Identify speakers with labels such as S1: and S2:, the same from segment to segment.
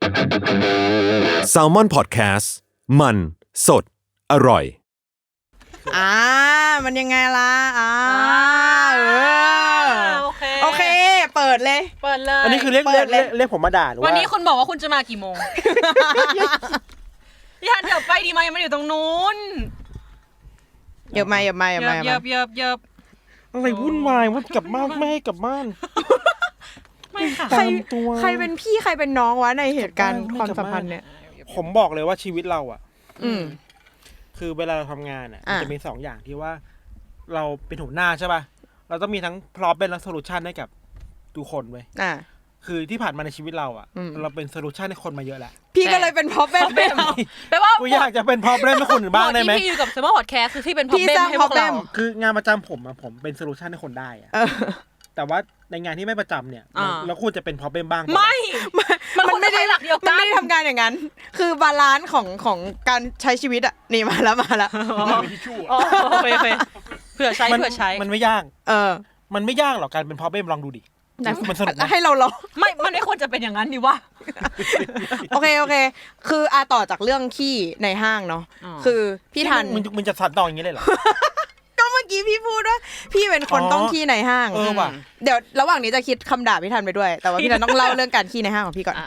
S1: Salmon Podcast มันสดอร่อย
S2: มันยังไงล่ะโอเคเปิดเลย
S3: อันนี้คือเรียกผมมาด่าหรือว่า
S4: วันนี้คุณบอกว่าคุณจะมากี่โมงพี่ฮันเดี๋ยวไปดีไหมยังไม่อยู่ตรงนู้น
S2: เยอะมา
S3: อะไรวุ่นวายว่ากลับบ้านไม่ให้กลับบ้าน
S4: ไม่ค่ะ
S2: ใครเป็นพี่ใครเป็นน้องวะในเหตุการณ์ความสัมพันธ์เนี่ย
S3: ผมบอกเลยว่าชีวิตเราอ่ะคือเวลาเราทำงานอ่ะจะมี2อย่างที่ว่าเราเป็นหัวหน้าใช่ป่ะเราต้องมีทั้ง problem และ solution ให้กับทุกคนเว้ยคือที่ผ่านมาในชีวิตเราอ่ะเราเป็น solution ให้คนมาเยอะแหละ
S2: พี่ก็เลยเป็น problem
S4: แปลว่า
S3: กูอยากจะเป็น problem ให้คนอื่นบ้างได้ไหม
S4: พี่อยู่กับ Salmon Podcast คือพี่เป็น problem ให้พวกเรา
S3: คืองานประจำผมเป็น solution ให้คนได้อ่ะแต่ว่าในงานที่ไม่ประจำเนี่ยเราควรจะเป็น problem บ้าง
S4: ไม่มันไม่ได้หลักเดียวกัน
S2: มันไม่ได้ทำงานอย่างนั้นคือบาลานซ์ของการใช้ชีวิตอ่ะนี่มาแล้ว
S3: มีทิชชู่
S4: โอเคเผื่อใช้
S3: มันไม่ยากมันไม่ยากหรอกการเป็น problem ลองดูดิมันสนุก
S2: ให้เราลอง
S4: มันไม่ควรจะเป็นอย่างนั้นดิวะ
S2: โอเคคือต่อจากเรื่องขี้ในห้างเนาะคือพี่ทัน
S3: มึงจะสัตว์ต่ออย่างนี้เลยเหรอ
S2: ก็เมื่อกี้พี่พูดว่าพี่เป็นคนต้องขี้ในห้าง
S3: ว่ะ
S2: เดี๋ยวระหว่างนี้จะคิดคำด่าพี่ทันไปด้วยแต่ว่าพี่ทันต้องเล่าเรื่องการขี้ในห้างของพี่ก่อน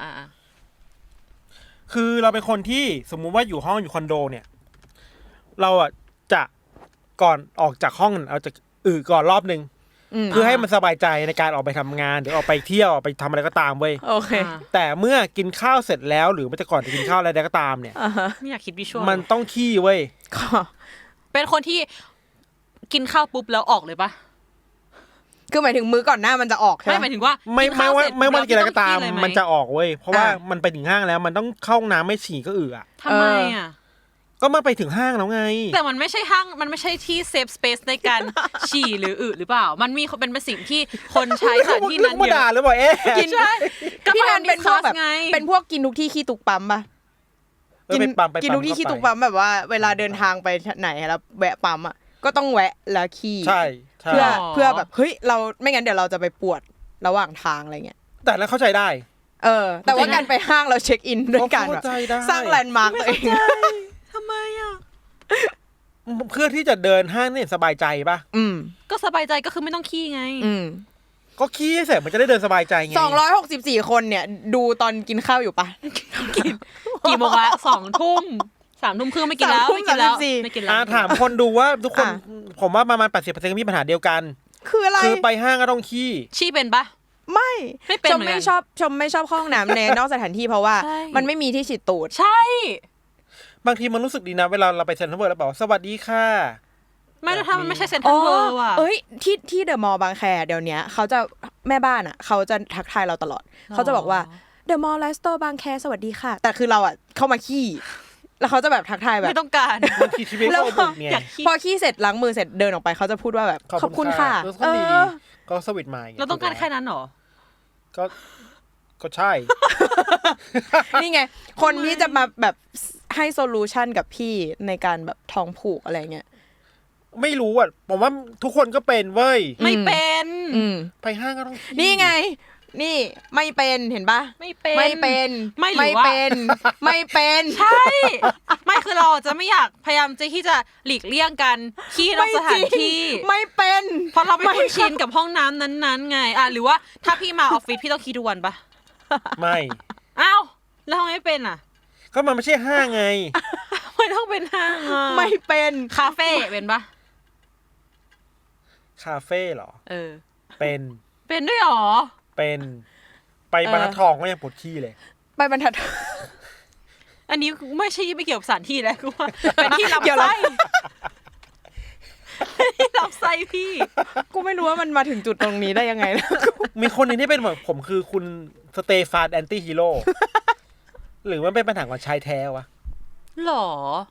S3: คือเราเป็นคนที่สมมุติว่าอยู่ห้องอยู่คอนโดเนี่ยเราอ่ะจะก่อนออกจากห้องเราจะก่อนรอบนึงเพื่อให้มันสบายใจในการออกไปทำงานหรือออกไปเที่ยวออกไปทำอะไรก็ตามเว้ย
S2: โอเค
S3: แต่เมื่อกินข้าวเสร็จแล้วหรือมันจะก่อนจะกินข้าวอะไรก็ตามเนี่ย
S4: ไม่อยากคิดวิชวล
S3: มันต้องขี้เว้ย
S4: เป็นคนที่กินข้าวปุ๊บแล้วออกเลยปะ
S2: คือหมายถึงมื้อก่อนหน้ามันจะออกใช่ไหม
S4: หมายถึงว่า
S3: ไม่ว่ากินอะไรก็ตามมันจะออกเว้ยเพราะว่ามันไปถึงห้างแล้วมันต้องเข้าห้องน้ำไม่ฉี่ก็อ่ะ
S4: ทำไมอ่ะ
S3: ก็มาไปถึงห้างแล้วไง
S4: แต่มันไม่ใช่ห้างมันไม่ใช่ที่เซฟสเปซในการฉี่หรือหรือเปล่ามันมีเป็นสิ่งที่คนใช้สถานที่นั้นเยอะ
S3: ด่าหรือเปล่า
S2: กินใช่พี่ทันเป็นพวกแบบเป็นพวกกินทุกที่ขี้ตุกปั๊มป่ะกินทุกที่ขี้ตุกปั๊มแบบว่าเวลาเดินทางไปไหนแล้วแวะปั๊มอ่ะก็ต้องแวะแล้วขี้
S3: ใช่
S2: เพื่อแบบเฮ้ยเราไม่งั้นเดี๋ยวเราจะไปปวดระหว่างทางอะไรเงี้ย
S3: แต่แล้วเข้าใจได้
S2: แต่ว่าการไปห้างเราเช็คอินด้วยกันสร้างแลนด์มาร์คตัวเอง
S4: ทำไมอ่ะ
S3: เพื่อที่จะเดินห้างเนี่ยสบายใจป่ะ
S4: ก็สบายใจก็คือไม่ต้องขี้ไง
S3: ก็ขี้เสร็จมันจะได้เดินสบายใจไง
S2: 264คนเนี่ยดูตอนกินข้าวอยู่ป่ะ
S4: กี่โมงละ2 ทุ่ม3 ทุ่มครึ่งไม่กินแล้ว
S3: ถามคนดูว่าทุกคนผมว่าประมาณ 80% มีปัญหาเดียวกัน
S2: คืออะไร
S3: คือไปห้างก็ต้องขี้
S2: เป็นปะไม่ชมไม่ชอบเข้าห้องน้ำในนอกสถานที่เพราะว่ามันไม่มีที่ฉีดตูด
S4: ใช่
S3: บางทีมันรู้สึกดีนะเวลาเราไปเซ็นทรัลเวิลด์แล้วบอกสวัสดีค่ะ
S4: ไม่ถ้ามันไม่ใช่เซ็นทรัลเวิลด์อ่ะ
S2: ที่เดอะมอลล์บางแคเดี๋ยวนี้เขาจะแม่บ้านอ่ะเขาจะทักทายเราตลอดเขาจะบอกว่าเดอะมอลล์ไลฟ์สโตร์บางแคสวัสดีค่ะแต่คือเราอ่ะเข้ามาขี้แล้วเขาจะแบบทักทายแบบ
S4: ไม่ต้องการ
S3: แล้ว
S2: พอขี้เสร็จล้างมือเสร็จเดินออกไปเขาจะพูดว่าแบบขอบคุณค่ะ
S3: ก็สวิตมา
S4: เราต้องการแค่นั้นหรอ
S3: ก็ใช่
S2: นี่ไงคนที่จะมาแบบให้โซลูชันกับพี่ในการแบบท้องผูกอะไรเงี้ย
S3: ไม่รู้อ่ะผมว่าทุกคนก็เป็นเว้ย
S4: ไม่เป็น
S3: ไปห้างก็ต้อง
S2: นี่ไงนี่ไม่เป็นเห็นปะ
S4: ไม่เป็นใช่ไม่คือเราจะไม่อยากพยายามที่จะหลีกเลี่ยงกันขี้นอกสถานที่
S2: ไม่เป็น
S4: เพราะเราไม่คุ้นชินกับห้องน้ำนั้นๆไงหรือว่าถ้าพี่มาออฟฟิศพี่ต้องขี้ทุกวันปะ
S3: ไม่
S4: อ้าวแล้วไม่เป็นอ่ะ
S3: ก็มันไม่ใช่ห้างไง
S4: ไม่ต้องเป็นห้าง
S2: ไม่เป็น
S4: คาเฟ่เป็นปะ
S3: คาเฟ่หรอ
S4: เป็นด้วยหรอ
S3: เป็นไปบรรทัดทองก็ยังปวดขี้เลย
S2: ไปบรรทัด
S4: อันนี้ไม่ใช่ไม่เกี่ยวกับสถานที่แล้วกูว่าเป็นที่รับไส้ที่รับไส้พี่
S2: กูไม่รู้ว่ามันมาถึงจุดตรงนี้ได้ยังไงแล้ว
S3: มีคนนึงที่เป็นแบบผมคือคุณสเตฟานแอนตี้ฮีโร่หรือว่าเป็นปัญหาของชายแท้วะ
S4: หรอ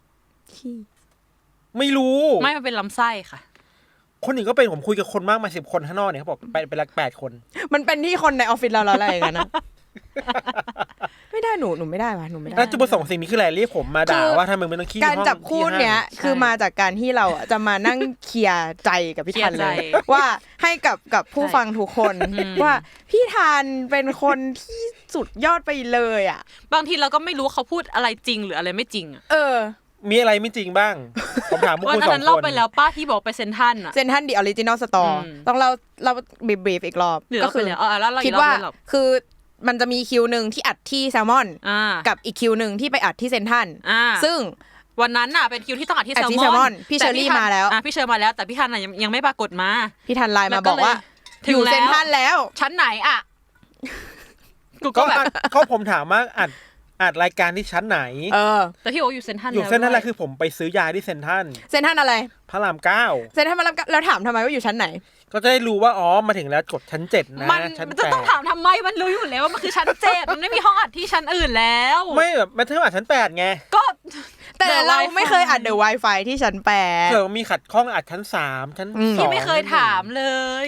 S3: ไม่รู้
S4: ไม่มันเป็นลำไส้ค่ะ
S3: คนอื่นก็เป็นผมคุยกับคนมากมา10 คนข้างนอกเนี่ยเขาบอกไปรัก8 คน
S2: มันเป็นที่คนในออฟฟิศเราแล้วอะไรอย่างเงี้ยนะไม่ได้หนูไม่ได้ว่ะหนูไม่ได้
S3: แล้วจุดประสงค์สิ่งนี้คืออะไรเรียกผมมาด่าว่าทำไมมึงต้องขี้
S2: การจับคู่เนี้ยคือมาจากการที่เราจะมานั่งเคลียร์ใจกับพี่ธันเลยว่าให้กับผู้ฟังทุกคนว่าพี่ธันเป็นคนที่สุดยอดไปเลยอ่ะ
S4: บางทีเราก็ไม่รู้เขาพูดอะไรจริงหรืออะไรไม่จริงอ่ะ
S3: มีอะไรไม่จริงบ้างผมถามพวกคุณ2คนวัน
S4: นั้นเล่าไปแล้วป้าที่บอกไปเซ็นทรัลอ่ะ
S2: เซ็นทรัลดิออริจินอลสตอร์ต้องเราบรีฟอีกรอบ
S4: ก็คือ
S2: คิดว่าคือมันจะมีคิวนึงที่อัดที่แซลมอนกับอีกคิวนึงที่ไปอัดที่เซ็นทรัลซึ่ง
S4: วันนั้นน่ะเป็นคิวที่ต้องอัดที่แซลมอน
S2: พี่เชอรี่มาแล้ว
S4: พี่เชอร์มาแล้วแต่พี่ธันยังไม่ปรากฏมา
S2: พี่ธันไลน์มาบอกว่าอยู่เซ็นทรัลแล้ว
S4: ชั้นไหนอ่ะ
S3: ก็ผมถามว่าอัดรายการที่ชั้นไหน
S4: แต่พี่โออยู่เซ็นทรัล
S3: อยู่เซ็นทรัลอะไรคือผมไปซื้อยาที่เซ็นทรัล
S2: อะไร
S3: พระราม 9
S2: เซ็นทรัลพระราม 9แล้วถามทำไมว่าอยู่ชั้นไหน
S3: ก็จะได้รู้ว่าอ๋อมาถึงแล้วกดชั้น7นะชั้น8
S4: มันจะต้องถามทำไมมันรู้อยู่แล้วว่ามันคือชั้น7มันไม่มีห้องอัดที่ชั้นอื่นแล้ว
S3: ไม่แบบมาถึงอัดชั้น8ไง
S2: ก็แต่เราไม่เคยอัดเดอะ Wi-Fi ที่ชั้น8
S3: เออมีขัดข้องอัดชั้น3ชั้น2
S4: ที่ไม่เคยถามเลย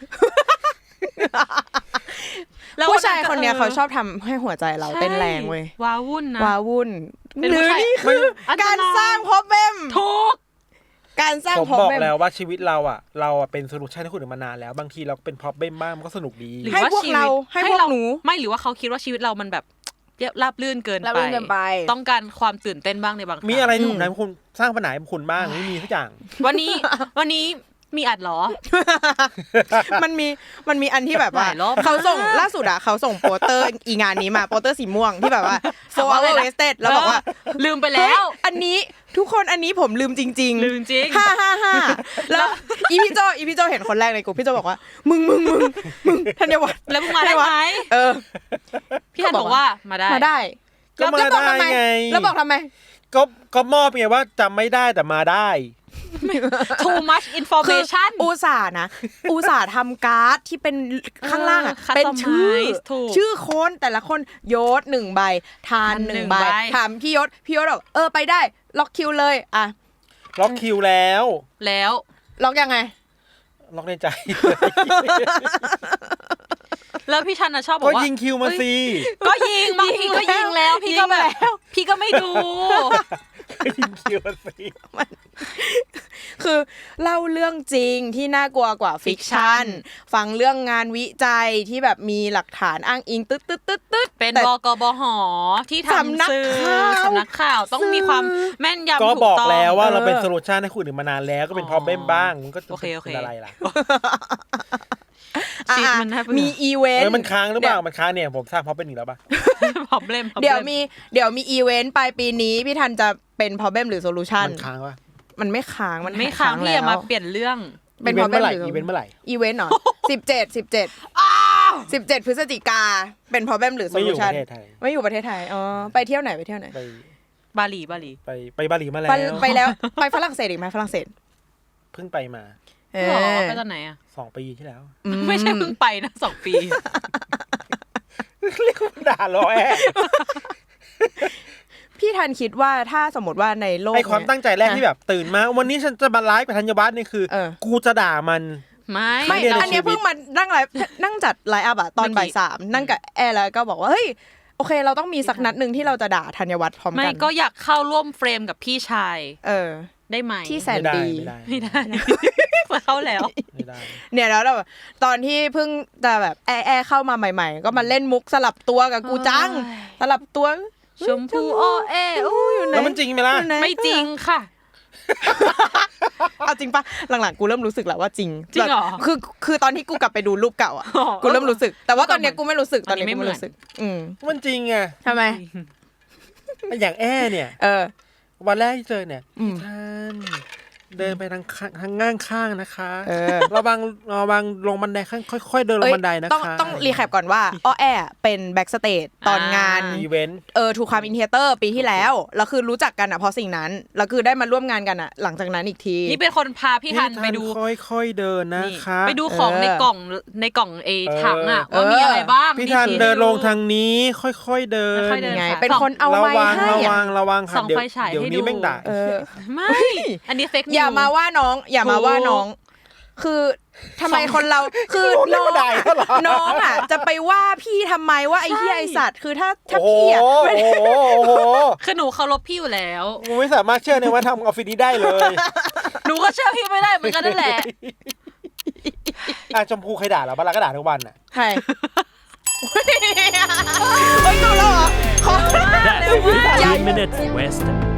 S2: แล้วผู้ชายคนเนี้ยเขาชอบทำให้หัวใจเราเต้นแรงเว้ย
S4: ว้าวุ่นนะ
S2: ว้าวุ่นหรือนี่คือการสร้างพอเบม
S4: ถูก
S2: การสร้าง
S3: พอเบมผมบอกแล้วว่าชีวิตเราเป็นโซลูชันให้คนอื่นมานานแล้วบางทีเราเป็นพอเบมบ้างมันก็สนุกดี
S2: ให้พวกเราให้พวกหนู
S4: ไม่หรือว่าเขาคิดว่าชีวิตเรามันแบบราบลื่นเกินไปต้องการความตื่นเต้นบ้างในบางครั้ง
S3: มีอะไรที่ผมทำให้คุณสร้างปัญหาให้คุณบ้างไม่มีทุกอย่าง
S4: วันนี้มีอัดหรอ
S2: มันมีอันที่แบบว่าเขาส่งล่าสุดเขาส่งโปสเตอร์อีงานนี้มาโปสเตอร์สีม่วงที่แบบว่า 4 hour wasted แล้วบอกว่า
S4: ลืมไปแล้ว
S2: อันนี้ทุกคนอันนี้ผมลืมจริง
S4: ๆลืมจริง
S2: 5แล้วอีพี่โจเห็นคนแรกในกลุ่มพี่โจบอกว่ามึงธัญวัฒน์
S4: แล้วมึงมาได้ไหมพี่ธันบอกว่ามาได้
S3: แล้วบอกทำไมก็มอบไงว่าจำไม่ได้แต่มาได้
S4: too much information
S2: อุตส่าห์ทำการ์ดที่เป็นข้างล่างเป็นชื่อคนแต่ละคนยศ1ใบทาน1ใบถามพี่ยศบอกไปได้ล็อกคิวเลยอ่ะ
S3: ล็อกคิวแล้ว
S2: ล็อกยังไง
S3: ล็อกในใจ
S4: แล้วพี่ชันชอบบอกว่า
S3: ก็ยิงคิวมาสิ
S4: ก็ยิงบางทีก็ยิงแล้วพี่ก็แบบพี่ก็ไม่ดู
S3: ยิงคิวมาสิ
S2: คือเล่าเรื่องจริงที่น่ากลัวกว่าฟิกชันฟังเรื่องงานวิจัยที่แบบมีหลักฐานอ้างอิงตึ๊ด
S4: เป็นบกบหที่ทำสื่อสำนักข่าวต้องมีความแม่นยำถูกต้อง
S3: ก็บอกแล้วว่าเราเป็นโซลูชันให้คุณอื่นมานานแล้วก็เป็นพอเบ้มบ้างมันก็เป็นอะไรล่ะ
S2: มีอีเวนต์
S3: มันค้างหรือเปล่ามันค้างเนี่ยผมสร้างพอเป็นอีกแล้วป่ะ
S4: พอเบ้ม
S2: เดี๋ยวมีอีเวนต์ปลายปีนี้พี่ทันจะเป็นพอเบ้มหรือโซลูชัน
S3: มันค้างป่ะ
S2: มันไม่ค้าง
S4: ไม่ค้างพี่อย่ามาเปลี่ยนเรื่อง
S2: เป็นพอเบ้มหรือ
S3: อีเวนต์เมื่อไหร่
S2: อีเวนต์เหรอ17พฤศจิกาเป็นพอเบ้มหรือโซลูชันไม่อยู่ประเทศไทยอ๋อไปเที่ยวไหนไป
S4: บาหลี
S3: ไปบาหลีมาแล้ว
S2: ไปฝรั่งเศสอีกไหมฝรั่งเศส
S3: เพิ่งไปมา
S4: ไปตอนไหนอ่ะ
S3: 2 ปีที่แล้ว
S4: ไม่ใช่เพิ่งไปนะ2 ปี
S3: เรียกว่าด่าล้อแอะ
S2: พี่ทันคิดว่าถ้าสมมติว่าในโลก
S3: ไอความตั้งใจแรกที่แบบตื่นมาวันนี้ฉันจะมาไลฟ์กับธัญวัฒน์นี่คือกูจะด่ามัน
S2: ไม่อันนี้เพิ่งมานั่งจัดไลฟ์อัพตอนบ่าย 3นั่งกับแอร์แล้วก็บอกว่าเฮ้ยโอเคเราต้องมีสักนัดนึงที่เราจะด่าธัญวัฒน์พร้อมกัน
S4: ไม่ก็อยากเข้าร่วมเฟรมกับพี่ชายได้ไหม
S2: ที่แสนดี
S4: ไม่ได้เข้าแล้ว
S2: เนี่ยแล้วแบบตอนที่เพิ่งจะแบบแอร์เข้ามาใหม่ๆก็มาเล่นมุกสลับตัวกับกูจังสลับตัว
S4: ชมพูอ้อ
S2: อยู่ไหน
S3: แล้วมันจริงไหมล่ะ
S4: ไม่จริงค่ะ
S2: เอาจริงปะหลังๆกูเริ่มรู้สึกแล้วว่าจริง
S4: เหรอ
S2: คือตอนที่กูกลับไปดูรูปเก่าอ่ะกูเริ่มรู้สึกแต่ว่าตอนนี้กูไม่รู้สึกตอนนี้กูไม่รู้สึก
S3: มันจริงไง
S2: ทำไม
S3: อย่างแอเนี่ยวันแรกที่เจอเนี่ยท่านเดินไปทางง่างข้างนะคะระวังลงบันไดค่อยๆเดินลงบันไดนะคะ
S2: ต้องรีแคปก่อนว่าอ้อแอเป็นแบ็กสเตจตอนงาน
S3: อีเวนต์
S2: ทูความอินเทเตอร์ปีที่แล้วแล้วคือรู้จักกันเพราะสิ่งนั้นแล้วคือได้มาร่วมงานกันหลังจากนั้นอีกที
S4: นี่เป็นคนพาพี่ทันไปดู
S3: ค่อยๆเดินนะคะ
S4: ไปดูของในกล่องถังว่ามีอะไรบ้าง
S3: พี่ทันเดินลงทางนี้ค่อยๆเดิน
S2: ไงเป็นคนเอาไว้ให้
S3: ระวังค่ะเดี๋ยวนี้แม่งด่า
S4: ไม่อันนี้เฟกนิว
S2: อย่ามาว่าน้องคือทำไมคนเราคือน้องอ่ะจะไปว่าพี่ทำไมว่าไอ้เหี้ยไอ้สัตว์คือถ้าพี่อ่ะ
S4: คือหนูเคารพพี่อยู่แล้ว
S3: กูไม่สามารถเชื่อในว่าทำออฟฟิศนี้ได้เลย
S4: หนูก็เชื่อพี่ไม่ได้เหมือนกันนั่นแหละ
S3: ชมพูใครด่าเราบ้างล่ะก็ด่าทุกวันอ่ะ
S2: ใครเฮ้ยดูแล้วเหรอ
S5: That's 3 minutes West